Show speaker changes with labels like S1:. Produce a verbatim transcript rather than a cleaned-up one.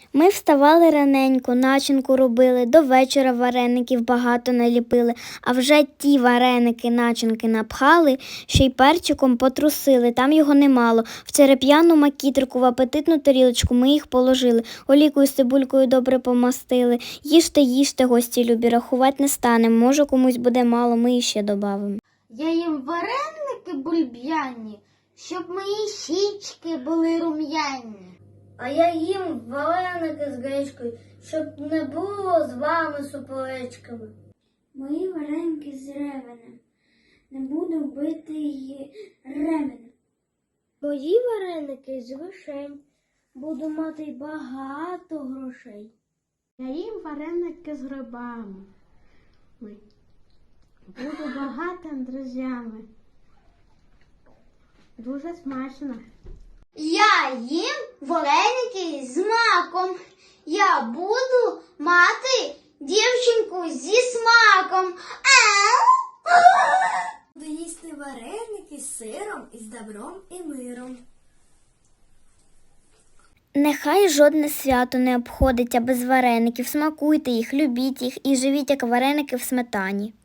S1: Ми вставали раненько, начинку робили, до вечора вареників багато наліпили, а вже ті вареники начинки напхали, ще й перчиком потрусили, там його немало. В череп'яну макітрику, в апетитну тарілочку ми їх положили, олійкою з цибулькою добре помастили. Їжте, їжте, гості любі, рахувати не станем, може комусь буде мало, ми іще добавимо.
S2: Я їм вареники бульб'яні, щоб мої щічки були рум'яні.
S3: А я їм вареники з гречкою, щоб не було з вами суперечками.
S4: Мої вареники з ревенем, не буду бити її ременем.
S3: Мої вареники з вишень, буду мати багато грошей.
S2: Я їм вареники з грибами, буду багатим друзями. Дуже смачно.
S5: Я їм вареники з маком. Я буду мати дівчинку зі смаком.
S4: Буду їсти вареники з сиром, із добром і миром.
S1: Нехай жодне свято не обходиться без вареників, смакуйте їх, любіть їх і живіть, як вареники в сметані.